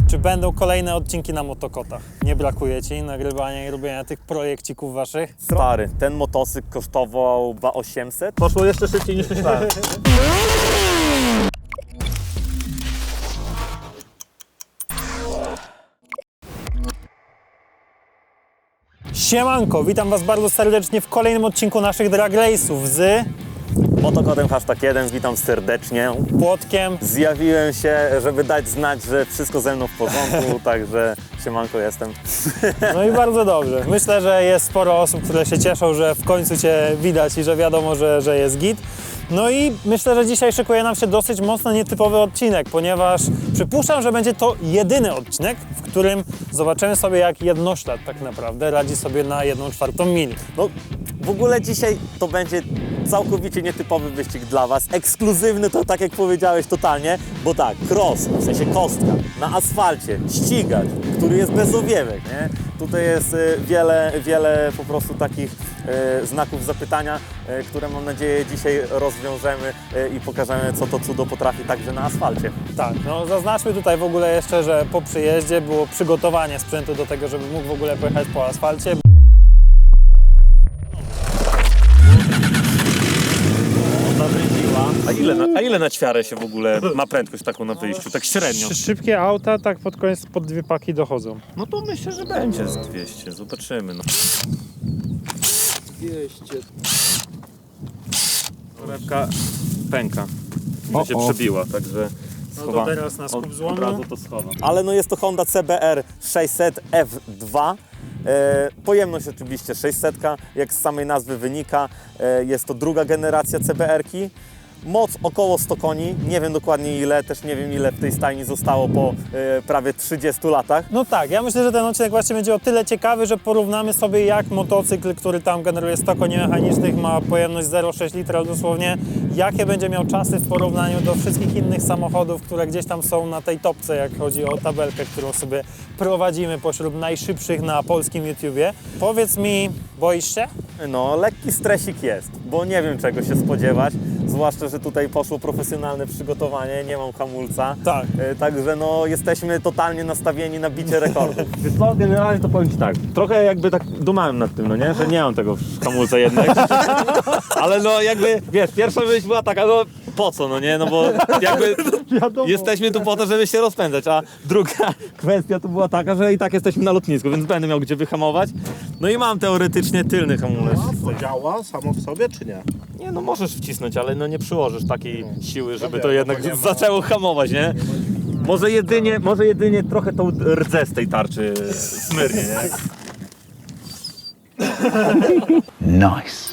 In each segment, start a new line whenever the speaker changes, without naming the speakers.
Czy będą kolejne odcinki na motokotach? Nie brakuje Ci nagrywania i robienia tych projekcików Waszych?
Stary, ten motocykl kosztował 2800. Poszło jeszcze szybciej niż myślałem.
Siemanko, witam Was bardzo serdecznie w kolejnym odcinku naszych Drag Race'ów z
Motokotem #1, witam serdecznie.
Płotkiem.
Zjawiłem się, żeby dać znać, że wszystko ze mną w porządku, także siemanko jestem.
No i bardzo dobrze. Myślę, że jest sporo osób, które się cieszą, że w końcu Cię widać i że wiadomo, że jest git. No i myślę, że dzisiaj szykuje nam się dosyć mocno nietypowy odcinek, ponieważ przypuszczam, że będzie to jedyny odcinek, w którym zobaczymy sobie, jak jednoślad tak naprawdę radzi sobie na 1/4 mili.
No, w ogóle dzisiaj to będzie całkowicie nietypowy wyścig dla Was. Ekskluzywny to, tak jak powiedziałeś, totalnie, bo tak, cross, w sensie kostka, na asfalcie, ścigacz, który jest bez owiewek, nie? Tutaj jest wiele po prostu takich znaków zapytania, które mam nadzieję dzisiaj rozwiążemy i pokażemy, co to cudo potrafi także na asfalcie.
Tak, no zaznaczmy tutaj w ogóle jeszcze, że po przyjeździe było przygotowanie sprzętu do tego, żeby mógł w ogóle pojechać po asfalcie.
A ile na ćwiarę się w ogóle ma prędkość taką na wyjściu, tak średnio?
Szybkie auta tak pod koniec pod 2 paki dochodzą.
No to myślę, że będzie z 200, zobaczymy. No.
200.
Torebka pęka, się przebiła, także
No to teraz na skup
od
złomu.
razu to schowam.
Ale no jest to Honda CBR 600 F2. Pojemność oczywiście 600, jak z samej nazwy wynika. Jest to druga generacja CBR-ki. Moc około 100 koni, nie wiem dokładnie ile, też nie wiem ile w tej stajni zostało po prawie 30 latach.
No tak, ja myślę, że ten odcinek właśnie będzie o tyle ciekawy, że porównamy sobie, jak motocykl, który tam generuje 100 koni mechanicznych, ma pojemność 0,6 litra dosłownie, jakie będzie miał czasy w porównaniu do wszystkich innych samochodów, które gdzieś tam są na tej topce, jak chodzi o tabelkę, którą sobie prowadzimy pośród najszybszych na polskim YouTubie. Powiedz mi, boisz się?
No, lekki stresik jest, bo nie wiem czego się spodziewać, zwłaszcza, że tutaj poszło profesjonalne przygotowanie, nie mam hamulca.
Tak.
Także no, jesteśmy totalnie nastawieni na bicie rekordów.
Więc no, generalnie to powiem Ci tak, trochę jakby tak dumałem nad tym, no nie, że nie mam tego hamulca jednak. Ale no jakby, wiesz, pierwsza myśl była taka, no po co, no nie, no bo jakby jesteśmy tu po to, żeby się rozpędzać, a druga kwestia to była taka, że i tak jesteśmy na lotnisku, więc będę miał gdzie wyhamować. No i mam teoretycznie tylny hamulec.
To działa samo w sobie, czy nie?
Nie, no możesz wcisnąć, ale no nie przyłożysz takiej siły, żeby
wiem,
to
no
jednak
bo nie ma-
zaczęło hamować, nie? Może jedynie trochę tą rdzę z tej tarczy smyrnie, nie?
Nice.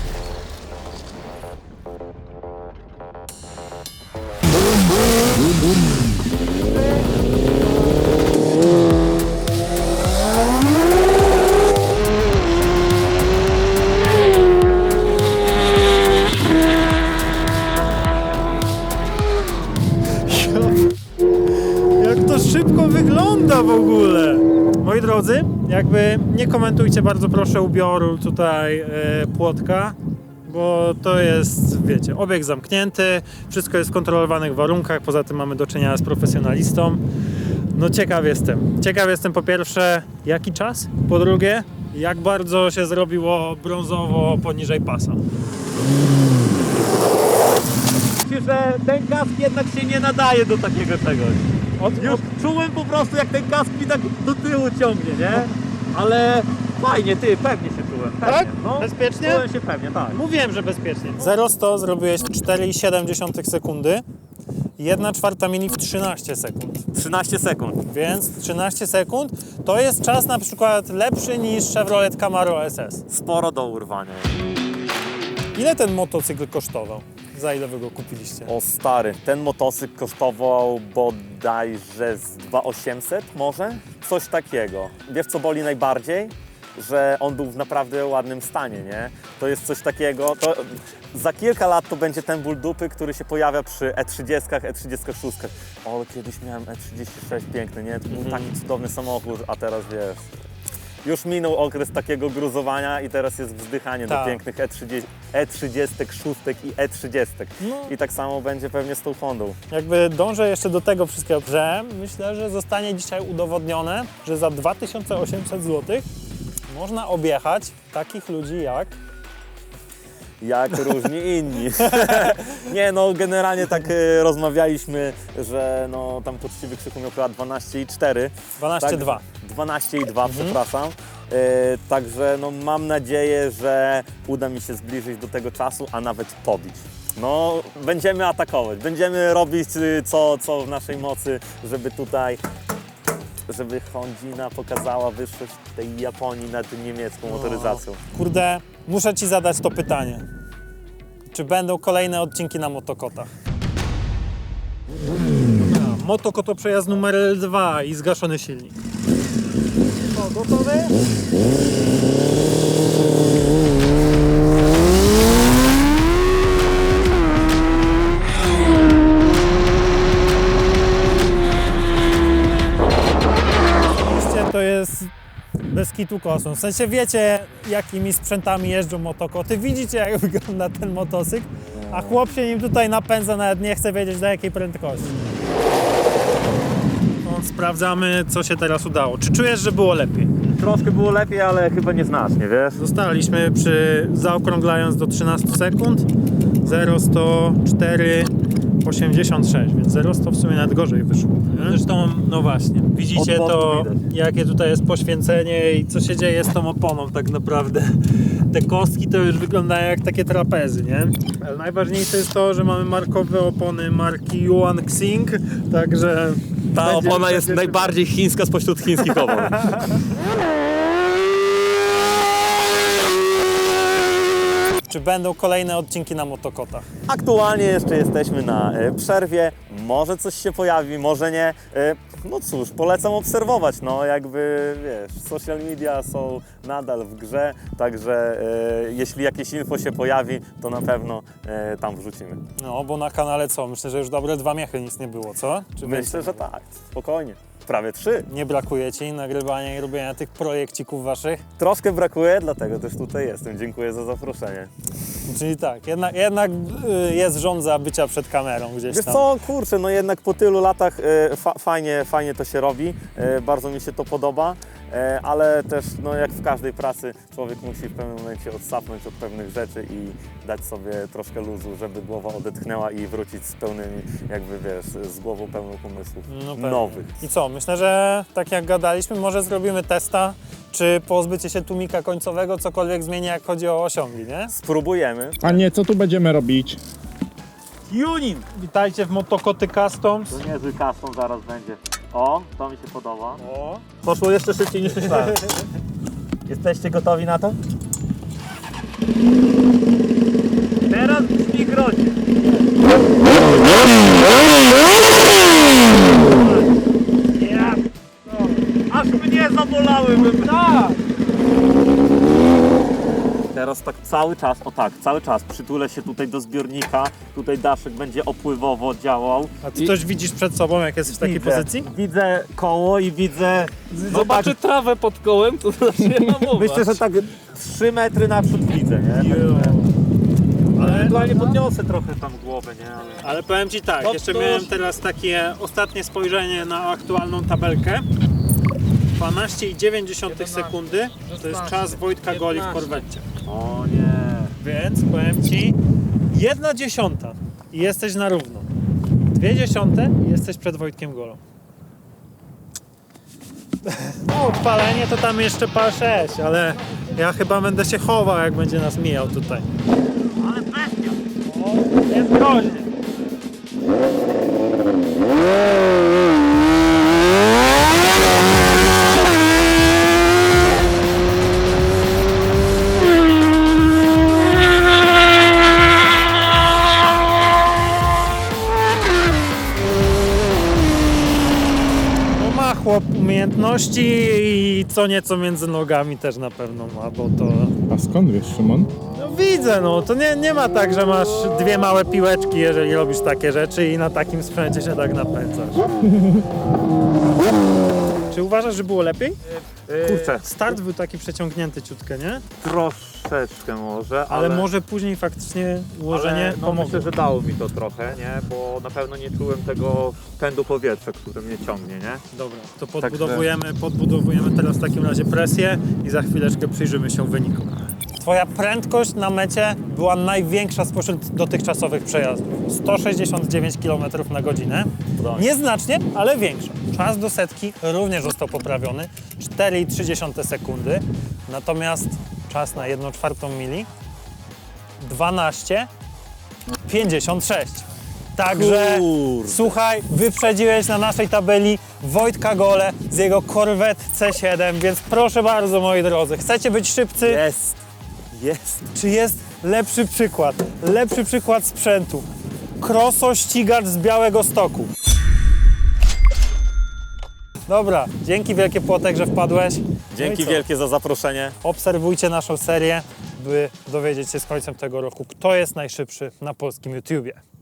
Jak to szybko wygląda w ogóle! Moi drodzy, jakby nie komentujcie bardzo proszę ubioru tutaj Płotka, bo to jest, wiecie, obieg zamknięty, wszystko jest w kontrolowanych warunkach, poza tym mamy do czynienia z profesjonalistą. No ciekaw jestem po pierwsze, jaki czas, po drugie, jak bardzo się zrobiło brązowo poniżej pasa.
Myślę, że ten kask jednak się nie nadaje do takiego czegoś. Już czułem po prostu, jak ten kask mi tak do tyłu ciągnie, nie? Ale fajnie, pewnie się czułem. Pewnie.
Tak?
No,
Bezpiecznie?
Czułem się pewnie, tak.
Mówiłem, że bezpiecznie. 0-100 zrobiłeś w 4,7 sekundy, 1/4 mili w 13 sekund.
13 sekund.
Więc 13 sekund to jest czas na przykład lepszy niż Chevrolet Camaro SS.
Sporo do urwania.
Ile ten motocykl kosztował? Za ile wy go kupiliście?
O stary, ten motocykl kosztował bodajże z 2800 może? Coś takiego. Wiesz co boli najbardziej? Że on był w naprawdę ładnym stanie, nie? To jest coś takiego, to za kilka lat to będzie ten ból dupy, który się pojawia przy E30, E36. O, kiedyś miałem E36 piękny, nie? To był taki cudowny samochód, a teraz wiesz... już minął okres takiego gruzowania i teraz jest wzdychanie
Tak.
do pięknych E36 i E30.
No.
I tak samo będzie pewnie z tą Hondą.
Jakby dążę jeszcze do tego wszystkiego, że myślę, że zostanie dzisiaj udowodnione, że za 2800 zł można objechać takich ludzi
Jak różni inni. Nie, no generalnie tak rozmawialiśmy, że no tam poczciwy Krzyku miał chyba 12,4.
12,2.
12,2, przepraszam. Także no mam nadzieję, że uda mi się zbliżyć do tego czasu, a nawet pobić. No, będziemy atakować, będziemy robić co w naszej mocy, żeby Hondzina pokazała wyższość tej Japonii nad niemiecką motoryzacją.
Kurde, muszę Ci zadać to pytanie. Czy będą kolejne odcinki na motokotach? Motokoto przejazd numer L2 i zgaszony silnik. O, gotowy? Oczywiście to jest bez kitu kosmos. W sensie wiecie, jakimi sprzętami jeżdżą motokoty, widzicie, jak wygląda ten motocykl, a chłop się nim tutaj napędza, nawet nie chce wiedzieć, do jakiej prędkości. No, sprawdzamy, co się teraz udało. Czy czujesz, że było lepiej?
Troszkę było lepiej, ale chyba nieznacznie, wiesz?
Zostaliśmy zaokrąglając do 13 sekund, 0,104,86, więc 0,100 w sumie nawet gorzej wyszło. Nie? Zresztą, no właśnie, widzicie
Od
to,
boku widać.
jakie tutaj jest poświęcenie i co się dzieje z tą oponą tak naprawdę. Te kostki to już wyglądają jak takie trapezy, nie? Ale najważniejsze jest to, że mamy markowe opony marki Yuan Xing, także...
Ta
będzie-
opona jest
będzie-
najbardziej chińska spośród chińskich opon.
Czy będą kolejne odcinki na motokotach?
Aktualnie jeszcze jesteśmy na przerwie, może coś się pojawi, może nie. No cóż, polecam obserwować, no jakby wiesz, social media są nadal w grze, także jeśli jakieś info się pojawi, to na pewno tam wrzucimy.
No, bo na kanale co? Myślę, że już dobre 2 miechy nic nie było, co? Czy
Myślę,
więcej?
że tak, spokojnie. Prawie 3.
Nie brakuje Ci nagrywania i robienia tych projekcików Waszych?
Troszkę brakuje, dlatego też tutaj jestem. Dziękuję za zaproszenie.
Czyli tak, jednak jest żądza bycia przed kamerą gdzieś
Wiesz
tam.
co, kurczę, no jednak po tylu latach fajnie to się robi, bardzo mi się to podoba, ale też no jak w każdej pracy człowiek musi w pewnym momencie odsapnąć od pewnych rzeczy i dać sobie troszkę luzu, żeby głowa odetchnęła i wrócić z pełnymi, jakby wiesz, z głową pełną pomysłów
pewnie.
nowych.
I co? Myślę, że tak jak gadaliśmy, może zrobimy testa, czy pozbycie się tłumika końcowego cokolwiek zmieni, jak chodzi o osiągi, nie?
Spróbujemy.
A nie, co tu będziemy robić?
Tuning! Witajcie w Motokoty Customs.
To niezły custom zaraz będzie. O, to mi się podoba.
O,
Poszło jeszcze szybciej niż myślałem. Jesteście gotowi na to?
Teraz brzmi groźnie. Aż mnie zabolały.
tak!
Teraz tak cały czas przytulę się tutaj do zbiornika, tutaj daszek będzie opływowo działał.
A ty coś widzisz przed sobą, jak jesteś w takiej pozycji?
Widzę koło i widzę... No
Zobaczy trawę pod kołem, to zacznie hamować.
Myślę, że tak 3 metry naprzód widzę, nie? Ale ewentualnie podniosę trochę tam głowę, nie?
Ale powiem Ci tak,
No
jeszcze
to-
miałem teraz takie ostatnie spojrzenie na aktualną tabelkę. 12,9 sekundy to jest czas Wojtka Goli w korwecie.
O nie.
Więc powiem Ci, 1/10 i jesteś na równo. 0,2 i jesteś przed Wojtkiem Golą. No, odpalenie to tam jeszcze PAL 6, ale ja chyba będę się chował, jak będzie nas mijał tutaj.
Ale bestia!
O, jest groźnie. No ma chłop umiejętności i co nieco między nogami też na pewno ma, bo to...
A skąd wiesz, Szymon?
No widzę, no to nie ma tak, że masz 2 małe piłeczki, jeżeli robisz takie rzeczy i na takim sprzęcie się tak napędzasz. Czy uważasz, że było lepiej?
Kurczę,
Start był taki przeciągnięty ciutkę, nie?
troszeczkę może,
Ale może później faktycznie ułożenie
no
pomogło.
myślę, że dało mi to trochę, nie? Bo na pewno nie czułem tego pędu powietrza, który mnie ciągnie, nie?
Dobra, to podbudowujemy teraz w takim razie presję i za chwileczkę przyjrzymy się wynikom. Twoja prędkość na mecie była największa spośród dotychczasowych przejazdów. 169 km na godzinę. Nieznacznie, ale większa. Czas do setki również został poprawiony. 4,3 sekundy. Natomiast czas na 1/4 mili 12,56. Także
Kurde.
słuchaj, wyprzedziłeś na naszej tabeli Wojtka Gole z jego Corvette C7, więc proszę bardzo, moi drodzy, chcecie być szybcy?
Jest.
Czy jest lepszy przykład? Lepszy przykład sprzętu. Kroso ścigacz z Białegostoku. Dobra, dzięki wielkie Płotek, że wpadłeś. No
Dzięki
i co?
wielkie za zaproszenie.
Obserwujcie naszą serię, by dowiedzieć się z końcem tego roku, kto jest najszybszy na polskim YouTubie.